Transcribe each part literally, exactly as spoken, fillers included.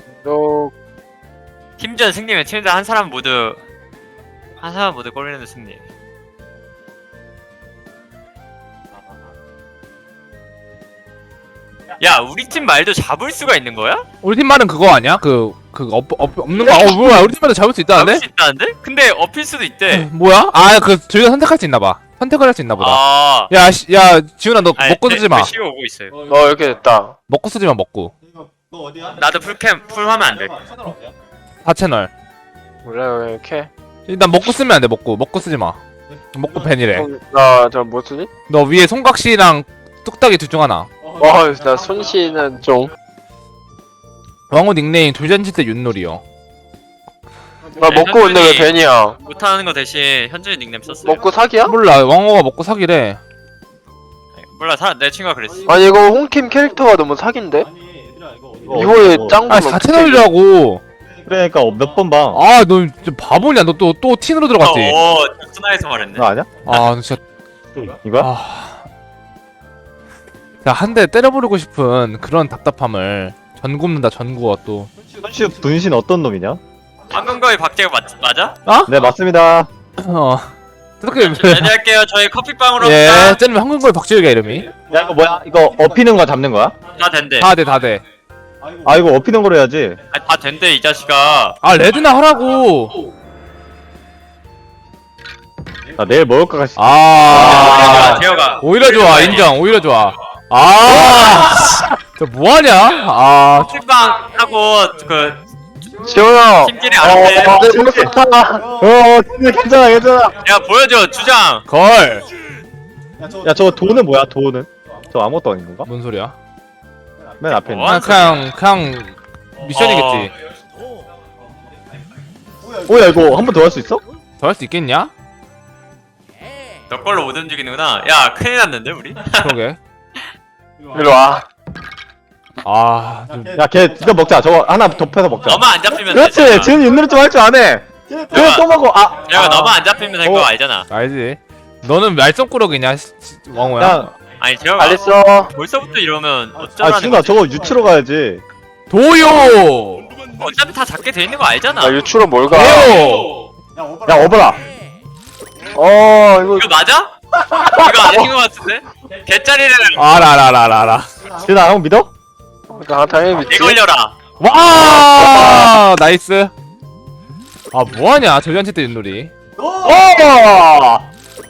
너 팀전 승리면 팀전 한 사람 모두 한 사람 모두 골리는 승리. 야, 우리 팀 말도 잡을 수가 있는 거야? 우리 팀 말은 그거 아니야? 그, 그, 없, 없, 없는 거, 어, 뭐야, 우리 팀 말도 잡을 수 있다는데? 잡을 수 있다는데? 근데 업힐 수도 있대. 뭐야? 아, 그, 저희가 선택할 수 있나봐. 선택을 할 수 있나보다. 아, 야, 시, 야, 지훈아, 너 아니, 먹고 네, 쓰지 마. 그 시가 오고 있어요. 어, 이렇게 됐다. 먹고 쓰지 마, 먹고. 너 어디야? 나도 풀캠 풀하면 안 돼. 채널 어디야? 사 채널. 몰라요, 왜 이렇게. 일단 먹고 쓰면 안 돼, 먹고. 먹고 쓰지 마. 먹고 벤이래. 나저 뭐 쓰지? 너 위에 손각시랑 뚝딱이 둘 중 하나. 와, 나 손씨는 좀. 왕호 닉네임 돌잔치 때 윷놀이요. 나 먹고 온데 왜 벤이야? 못하는 거 대신 현준이 닉네임 썼어. 먹고 사기야? 몰라, 왕호가 먹고 사기래. 몰라, 사, 내 친구가 그랬어. 아니 이거 홍팀 캐릭터가 너무 사기인데? 아니 얘들아 이거 어디- 이거에 어, 짱구 아, 사 채널이라고. 그러니까 몇 번 봐. 아, 너 진짜 바보냐? 너 또, 또 틴으로 들어갔지? 어, 스나에서 말했네. 너 아냐? 아, 너 진짜. 이거야? 아. 자, 한 대 때려버리고 싶은 그런 답답함을 전 굽는다, 전 구워 또. 손씨 분신 어떤 놈이냐? 방금 거의 박재가 맞, 맞아? 네 맞습니다. 어. 어떻게, 안녕할게요. 저희 커피빵으로 예, 예. 쟤는 한국말 박지혁이야, 이름이. 야 이거 뭐야? 이거 업히는 거 잡는 거야? 다 된대. 다 돼, 다 돼. 아 이거 업히는 거로 해야지. 아니, 다 된대 이 자식아. 아, 레드나 하라고! 나 내일 먹을까 싶. 아. 재혁아. 오히려 좋아, 인정, 오히려 좋아. 아. 저 뭐하냐? 아. 커피빵 하고 그 지훈아. 팀끼리 안 돼. 어, 내 먹었다. 어 괜찮아 괜찮아. 야, 보여줘 주장. 걸! 야 저 돈은 뭐야? 돈은? 저 아무것도 아닌 건가? 뭔 소리야? 맨 앞에 있는. 뭐? 그냥, 그냥, 그냥, 미션이겠지. 오야 이거 한 번 더 할 수 있어? 더 할 수 있겠냐? 너 걸로 못 움직이는구나. 야, 큰일 났는데 우리? 그러게. 이리 와. 아, 좀- 야걔 이거 먹자. 저거 하나 덮여서 먹자. 너만 안 잡히면 그렇지. 되잖아. 지금 윷놀이 좀 할 줄 아네. 그래 또 먹어. 아. 재혁아, 아. 너만 안 잡히면 될 거 어. 알잖아. 알지. 너는 말썽꾸러기냐, 시- 시- 왕호야? 야. 아니, 재혁아. 알겠어. 벌써부터 이러면 아 어쩌라는 지훈아 거지? 저거 유치로 가야지. 도요! 어차피 다 잡게 돼 있는 거 알잖아. 나 유추로 뭘 가? 도요! 야 어버라. 어, 이거 이거 맞아? 이거 아닌 거 같은데? 개짜리를 알아, 알아, 알아, 알아, 알아. 지훈아 형 믿어? 나 당연히 믿지. 내 걸려라. 와! 나이스. 아, 뭐하냐, 돌잔치 때 윷놀이. 어!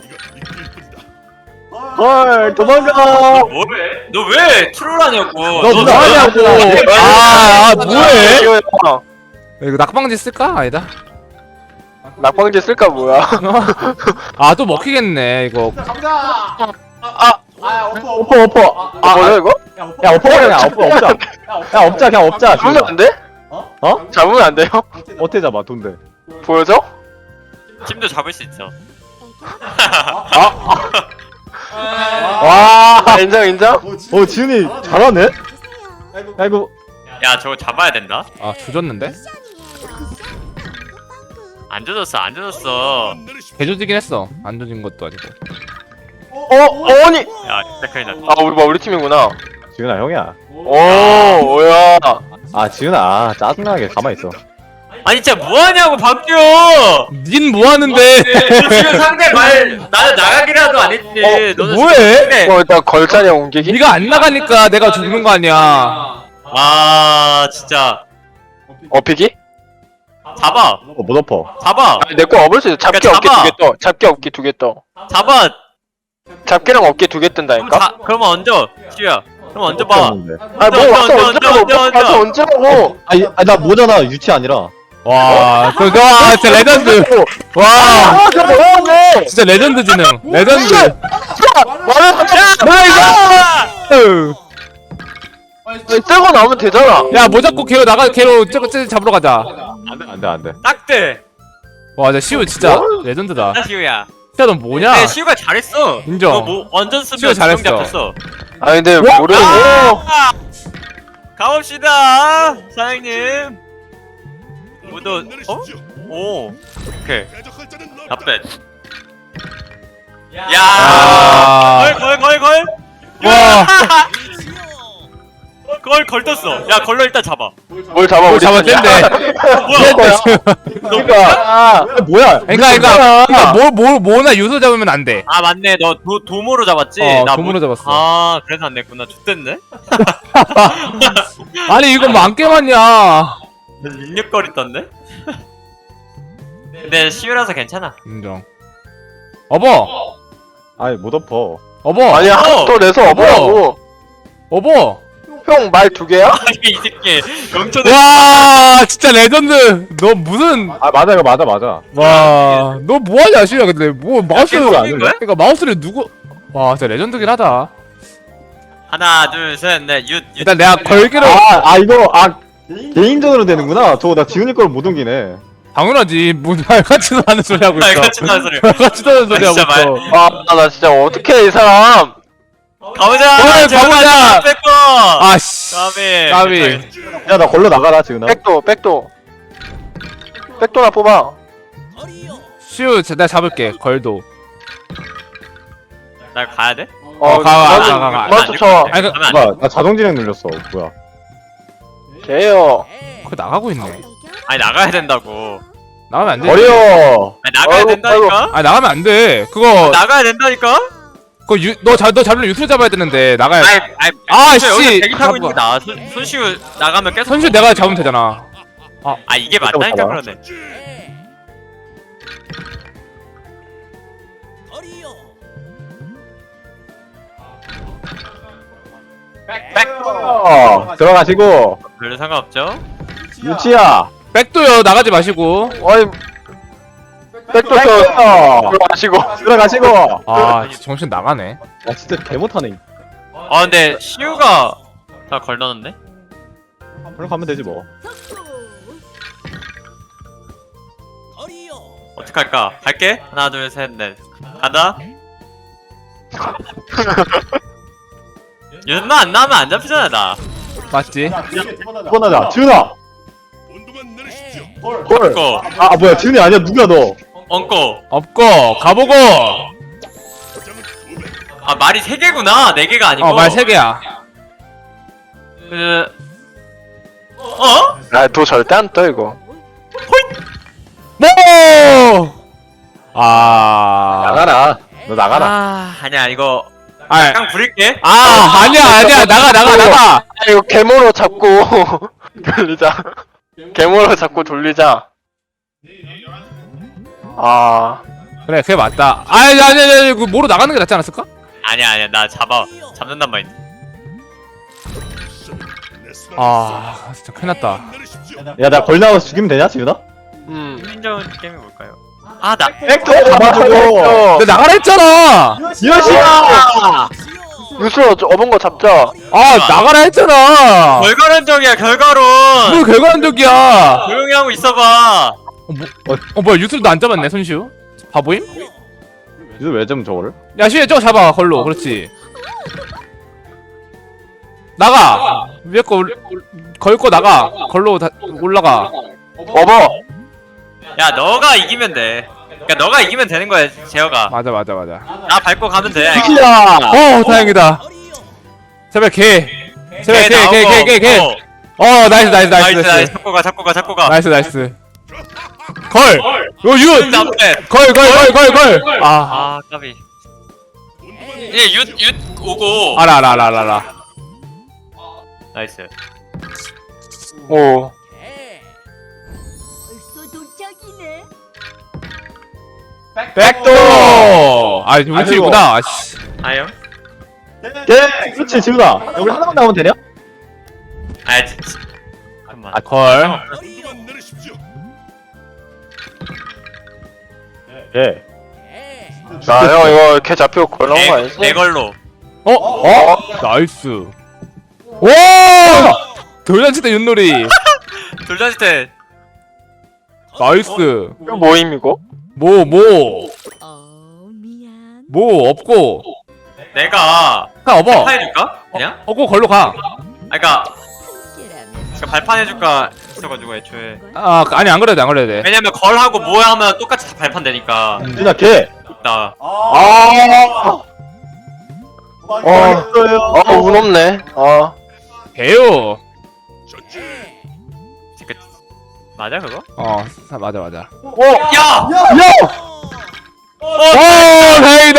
헐 도망가. 뭐해? 너 왜 트롤하냐고. 너 너 뭐하냐고. 아, 아, 뭐해? 지훈아, 이거 낙방지 쓸까? 아니다. 낙방지 쓸까 뭐야? 아, 또 먹히겠네, 이거. 오퍼 오퍼. 아, 뭐야 이거? 야 오퍼 그냥 오퍼 없자. 야 없자 그냥 없자. 잡으면 지훈아. 안 돼? 어? 잡으면 안 돼요? 어떻게 잡아 돈들? 보여줘? 팀도 잡을 수 있어. 와. 아, 인정 인정? 어 지훈이 잘하네. 야 이거 야, 저거 잡아야 된다. 아, 조졌는데? 안 젖었어, 안 젖었어. 개조지긴 했어. 안 조진 것도 아니고. 어, 어니. 야, 진짜 큰일 났다. 아, 우리 뭐 우리 팀이구나. 지훈아 형이야. 오, 뭐야? 아 지훈아 아, 짜증나게 가만히 있어. 아니, 진짜 뭐하냐고, 박규! 닌 뭐하는데? 너 지금 상대 말, 나는 나가기라도 안 했지. 어, 너는 뭐해? 상대- 어, 일단 걸자리 옮기기. 네가 안 나가니까 내가 죽는 거 아니야. 아, 진짜. 업히기? 잡아. 어, 못 엎어. 잡아. 아니, 내 거 업을 수 있어. 잡기 그러니까 어깨 잡아. 두 개 떠. 잡기 어깨 두 개 떠. 잡아. 잡기랑 어깨 두 개 그럼 뜬다니까? 자, 그러면 얹어. 시우야. 그럼 얹어봐. 아, 뭐 와서 얹으라고. 와서 얹으라고. 아니 아, 나 모잖아 유치 아니라. 와, 저, 저, 아, 진짜 레전드. 와, 아, 저 뭐야, 왜? 진짜 레전드 지능. 레전드. 말을 나이스! 떼고 나오면 되잖아. 야, 뭐 잡고 걔로 나가, 걔로 쟤, 쟤 잡으러 가자. 안돼 안돼 안돼. 딱대. 와, 진짜 시우 진짜 레전드다. 나 시우야. 진짜 너 뭐냐? 근데 시우가 잘했어. 인정. 너 뭐 완전 시우가 쓰면 잘했어. 잘했어. 잡혔어. 아, 근데 와! 모르는 아! 가봅시다, 사장님. 모두 어? 오, 오케이. 답변. 야, 아. 걸, 걸, 걸, 걸. 와. 걸 걸 떴어. 야 걸로 일단 잡아. 뭘 잡아 뭘 우리 잡았는데. 뭐야? 그러니까 아, 뭐야? 그러니까 그러니까 그러니까 뭐뭐 뭐나 유소 잡으면 안 돼. 아 맞네. 너 도, 도모로 잡았지? 어, 나 도모로 뭐- 잡았어. 아 그래서 안 됐구나. X됐네. 아니 이거 뭐 안 깨맞냐? 육육거리 떴네. 근데 시유라서 괜찮아. 인정. 어버 아이 못 엎어. 어버 아니 한또 내서 어버라고. 어버. 형 말 두 개야? 아니 이 새끼 영천에 와 진짜 레전드. 너 무슨 아 맞아 이거 맞아 맞아. 와 너 뭐하냐 시야 근데 뭐 마우스 계속 올린 거야? 그러니까 마우스를 누구 와 진짜 레전드긴 하다. 하나 둘셋넷윷윷 일단 내가 걸기로 아, 아 이거 아 개인전으로 되는구나. 저거 나 지훈이 걸 못 옮기네. 당연하지 뭐 말같지도 않은 소리 하고 있어. 말같지도 않은 소리. 말같지도 않은 소리 아, 하고 진짜 있어. 아 나 진짜 어떡해 이 사람. 가보자. 그래, 가보자. 뺏고. 아씨 까비. 까비. 야 나 걸로 나가라 지훈아. 백도 백도. 백도나 뽑아. 슈 내가 잡을게 걸도. 나 가야 돼? 어, 가, 가, 먼저- 가, 가, 가. 먼저 쳐. 아니 그 가면 안 돼. 뭐야 나 자동 진행 눌렸어. 뭐야? 개요. 그 나가고 있네. 아니 나가야 된다고. 나가면 안 돼. 버려. 아니 나가야 아이고, 된다니까. 아 나가면 안 돼. 그거 나가야 된다니까. 그거 유, 너, 잡, 너 잡으면 유튜브 잡아야 되는데 나가야 아이 아이. 아, 여기서 씨. 대기 타고 잡아. 있는 게 나아. 손 손시우 나가면 계속. 선수 내가 잡으면 되잖아. 아 이게 맞다니까 잡아. 그러네. 어, 들어가시고 별로 상관없죠? 유치야. 백도요 나가지 마시고. 아니 백도 쳐. 어, 들어가시고. 들어가시고. 아 정신 나가네. 와 진짜 개 못하네. 아 근데 시우가 다 걸러놨네? 그럼 가면 되지 뭐. 어떡할까? 갈게? 하나 둘셋넷 간다? 연마 안 나오면 안 잡히잖아 나. 맞지? 두번 하자. 지훈아. 헐. 엉고 아 뭐야 지훈이 아니야 누구야 너? 엉고. 없고 가보고. 아 말이 세 개구나. 네 개가 아니고. 어 말 세 개야. 그 어? 아도 절대 안 떠 이거. 뭐? 아. 나가라. 너 나가라. 아 아니야 이거 아, 깡 부릴게. 아 아니야 아니야 나가 나가 나가. 아 이거 개모로 잡고 돌리자. 개모로 잡고 돌리자. 아 그래 그게 맞다. 아니 아니 아니 아니 그 뭐로 나가는 게 낫지 않았을까? 아니야 아니야 나 잡아 잡는단 말이야. 아 진짜 큰일 났다. 야 나 걸 나와서 죽이면 되냐 지훈아? 음. 인정 게임이 뭘까요? 아나 백도 잡아주고. 어. 내가 나가라 했잖아. 유치야. 유수로 어본 거 잡자. 아 나가라 했잖아. 결과론적이야 결과론. 뭘 결과론적이야. 조용히 하고 있어봐. 어 뭐야 유튜브도 안 잡았네 손시우. 바보임? 유튜브 왜좀 저거를? 야 시우야 저거 잡아 걸로. 그렇지. 나가. 위에 거 올- 걸고 나가. 걸로 다 올라가. 어버. 야 너가 이기면 돼. 그러니까 너가 이기면 되는 거야 제어가. 맞아 맞아 맞아. 나 밟고 가면 돼. 유치야. 어 다행이다. 제발 개. 제발 개 개 개 개 개. 어, 어 나이스 나이스 나이스 나이스 나이스 나이스. 잡고 가 잡고 가 잡고 가. 나이스 나이스. 걸. 요 윷. 남대. 걸 걸 걸 걸 걸. 아 아 까비. 이제 윷윷 오고. 알아 알아 알아 알아, 알아. 나이스. 오. 벌써 도착이네. 백도. 아 우측이구나. 아씨. 아요? 예. 그렇지 지훈아. 야, 우리 하나만 나오면 되냐? 아 진짜. 잠깐만. 아 걸. 예. 나형 이거 개 잡히고 걸러온 거 내, 아니지? 내 걸로. 어? 어? 나이스. 오! 돌잔치 때 윷놀이. 돌잔치 때. 나이스. 이거 뭐임 이거? 뭐, 뭐, 어 미안. 뭐 없고. 내가 가 업어. 발판 해줄까? 그냥? 업고 걸로 가. 아 그니까 함께라면 그러니까 발판 해줄까 있어가지고 애초에. 아, 아니 안 그래도 돼, 안 그래도 돼. 왜냐면 걸하고 뭐 하면 똑같이 다 발판 되니까. 지훈아 개. 있다. 아. 어. 어, 운 없네. 어. 개요. 그, 맞아 그거? 어 사- 맞아 맞아. 야! 오 다행이다.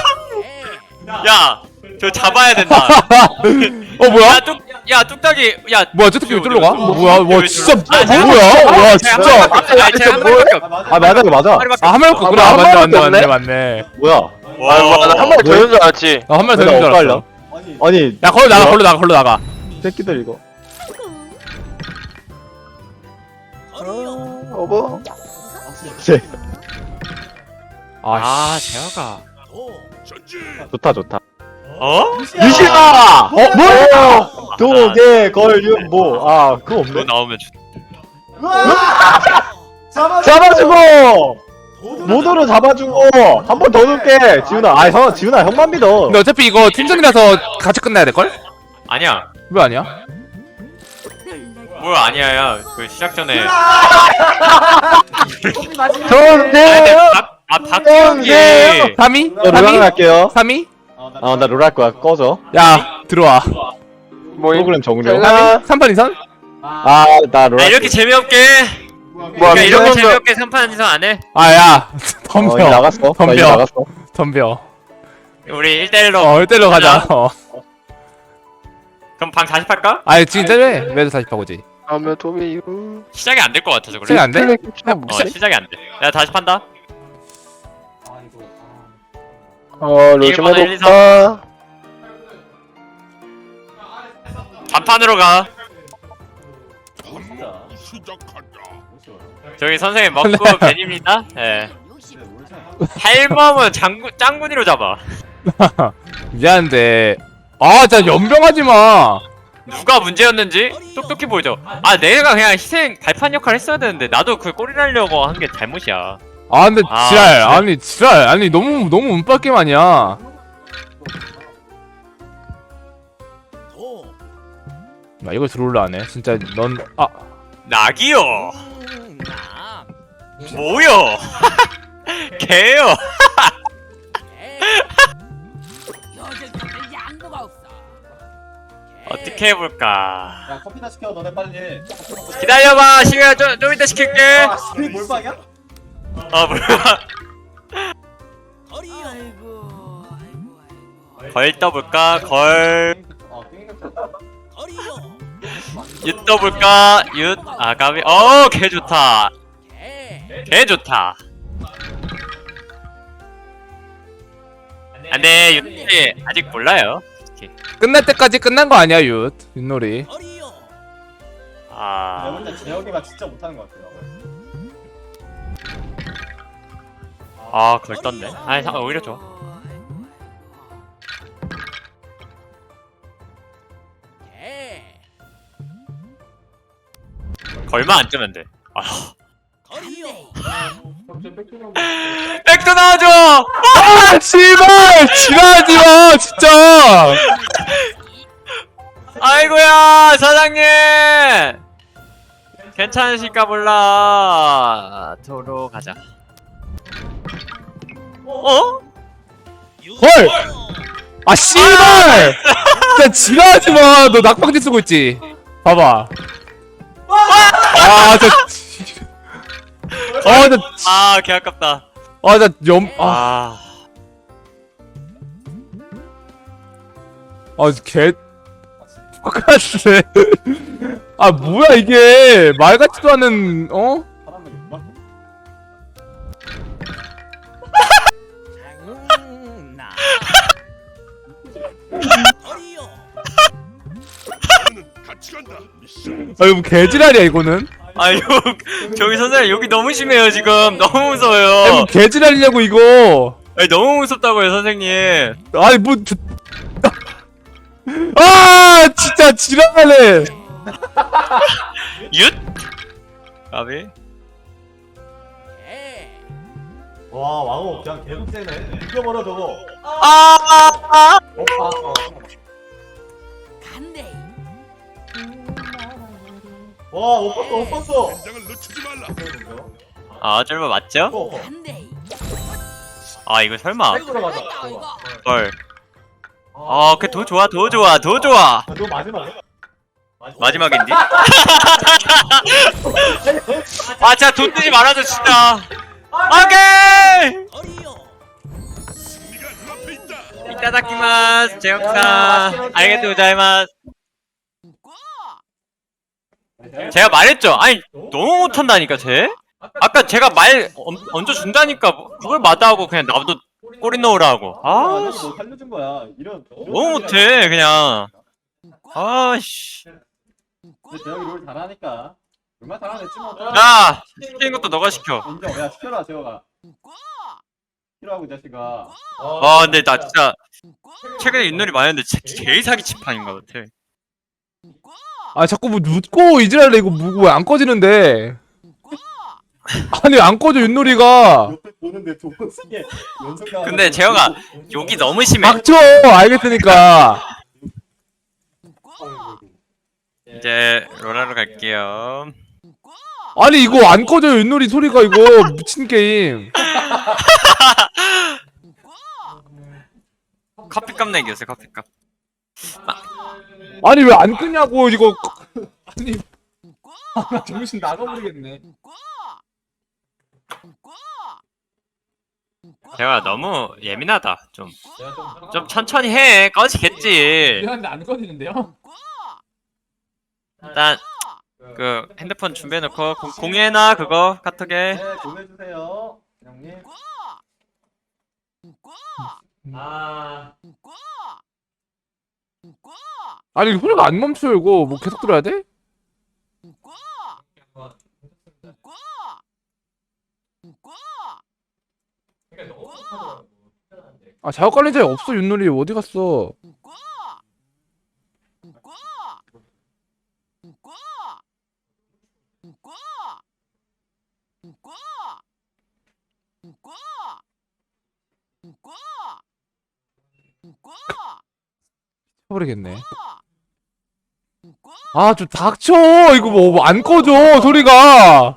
야! 저 잡아야 된다. 어 뭐야? 야, 뚝, 야, 뚝딱이, 야. 뭐야 저 새끼 왜 쫄러 가? 어, 뭐야 와 왜 진짜 쫄러 가? 아, 제가 뭐야? 와 제가 진짜. 한 마리밖에- 아니, 제가 한 마리밖에 없- 아 맞아 이거 맞아. 한 마리밖에 아 한 마리 없구나. 아, 아, 한 맞네 마리밖에 맞네 맞네 없네? 맞네. 뭐야? 아, 뭐, 나한 마리 더 있는 줄 알았지. 아 한 마리 더 내가 있는 줄 엇갈려? 알았어. 아니 야 걸로 나가 뭐야? 걸로 나가 걸로 나가. 새끼들 이거. 어버. 쟤 아, 재혁아. 좋다 좋다. 어? 유시아! 어 뭐야? 도개 걸윤모 아 그거 너 없네. 나오면 좋. 잡아주고 모두를 잡아주고 한 번 더 넣을게 지훈아. 아 형 지훈아 형만 믿어. 근데 어차피 이거 팀전이라서 같이 끝나야 될 걸? 아니야. 왜 아니야? 뭘 아니야, 야. 그 시작 전에. 좋은데. 박, 아, 박경기. 삼 위? 저 롤랑 삼 위? 할게요. 삼 위? 아나 롤 할 거야. 꺼져. 야 들어와. 뭐, 프로그램 정령. 아, 삼 판 이선? 아나 롤. 아, 이렇게 재미없게. 뭐, 그러니까 이렇게 민정이 재미없게 삼판 이상 안 해? 아야 어 이제 덤벼 나갔어. 나 덤벼. 이제 나갔어. 덤벼. 우리 일 대일로. 어 일대일로 가자. 어. 그럼 방 다시 팔까? 아니 지금 때려 매도 다시 바꾸지. 하면 도미유. 시작이 안 될 것 같아서 그래. 시작이 안 돼? 어, 시작이 안 돼. 야, 다시 판다. 어, 로즈만 일본어 일, 이, 높다. 단판으로 가. 저기 선생님 먹고 벤입니다. 예. 할멈은 장군 짱군이로 잡아. 미안한데 아 진짜 연병하지 마. 누가 문제였는지 똑똑히 보이죠. 아 내가 그냥 희생 발판 역할 했어야 되는데 나도 그 꼬리 날려고 한 게 잘못이야. 아 근데 아, 지랄 그래? 아니 지랄 아니 너무 너무 운빨 게임 아니야. 나 이걸 들어올라 하네 진짜 넌아 낙이요. 뭐요? 개요. 어떻게 해볼까? 야 커피나 시켜 너네 빨리. 기다려봐. 시간 좀, 좀 이따 시킬게. 아 스크린 몰빵이야? 어 뭐야? 걸 떠볼까? 걸. 어 게임 윷 떠볼까? 윷 아가비. 어, 개 좋다. 개 좋다. 안돼, 윷이 아직 몰라요. 끝날 때까지 끝난 거 아니야 윷 윷놀이. 내가 아, 볼때 재혁이가 진짜 못하는 것 같아요. 아, 걸 떴네. 아니, 잠깐 오히려 좋아. 걸만 안 뜨면 돼. 아, 백도 나와줘. 아 씨발 지랄하지 마 진짜. 아이고야, 사장님. 괜찮으실까 몰라. 도로 가자. 어? 헐! 아 씨발! 진짜 지랄하지 마. 너 낙방지 쓰고 있지. 봐봐. 아, 진짜. 아, 나, 아, 개 아깝다. 아, 나 염, 아, 아, 아, 개. 똑같네. 아, 뭐야 이게 말 같지도 않은 어? 사람을 막 아, 이거 뭐 개지랄이야 이거는. 아, 욕, 저기 선생님 욕이 너무 심해요 지금. 너무 아, 무서워요. 뭐 개지랄이냐고 이거. 아니, 너무 무섭다고요 선생님. 아니 뭐. 저... 아, 진짜 지랄하네. 윷? 까비? 와 왕호 그냥 계속 세네. 이겨버려 저거. 아, 아, 아. 어, 아, 어. 간대. 와 못 봤어 못 봤어. 아, 쫄보 맞죠? 어, 어. 간대. 아, 이거 설마. 빨리 들어가자. 헐. 아, 그더 좋아, 더 좋아, 더 좋아. 너 마지막에? 마지막인데? 아 진짜 돈 뜨지 말아줘 진짜. 오케이. 이따다키마스 제육사 알겠다 고자이마스. 제가 말했죠. 아니 너무 못한다니까 쟤. 아까 제가 말 얹- 얹어준다니까 그걸 마다하고 그냥 나도 꼬리 넣으라고. 아 아, 뭐 살려준 거야. 이런 너무 못해 그냥. 아씨. 근데 재혁이 롤 잘하니까. 얼마나 잘하는지 뭐. 야 시키는 것도 너가 시켜. 인정. 야 시켜라 재혁아. 시키라고 이 자식아. 와 근데 나 진짜 최근에 윷놀이 많이 했는데 제, 제일 사기 치판인 것 같아. 아 자꾸 뭐 묻고 이지랄래 이거 뭐고 왜 안 꺼지는데? 아니 안 꺼져 윷놀이가. 옆에 보는데 두 번 쓰게 연속. 근데 재혁아 욕이 너무 심해. 닥쳐 알겠으니까. 이제 로라로 갈게요. 아니 이거 안 꺼져 윷놀이 소리가 이거 미친 게임. 커피값 내기였어요 커피값. 아니 왜 안 끄냐고 이거. 아니 아, 정신 나가버리겠네. 재혁아 너무 예민하다. 좀 좀 천천히 해. 꺼지겠지. 미안한데 안 꺼지는데요? 일단 그 핸드폰 준비해놓고 공- 공유해놔 그거 카톡에. 네 보내주세요 형님. 아. 아니 소리가 안 멈춰요 이거 뭐 계속 들어야 돼? 아 작업 관리자에 없어 윷놀이 어디 갔어? 버리겠네. 아 좀 닥쳐 이거 뭐 안 꺼져 소리가.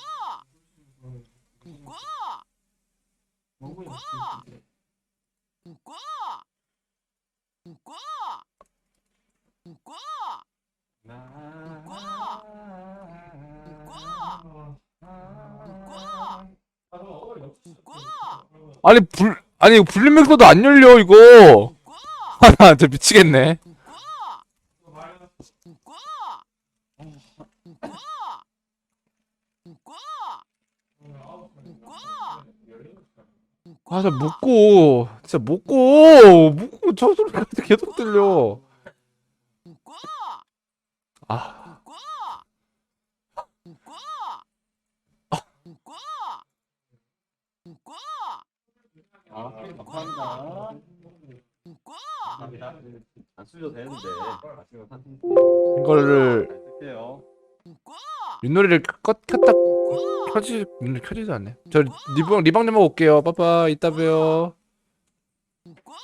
아니 불 아니 이거 불림 믹서도 안 열려 이거. 아 진짜 미치겠네. 아 진짜 묻고 진짜 묻고 묻고 저 소리가 계속 들려. 아 아 감사합니다. 감사합니다. 안 쓰셔도 되는데. 아시면 사진 이거를 잘 쓸게요. 윷놀이를 껐 켰다 켜지 윷놀이 켜지도 않네. 저 리방 리방 좀 하고 올게요. 빠빠 이따 봬요.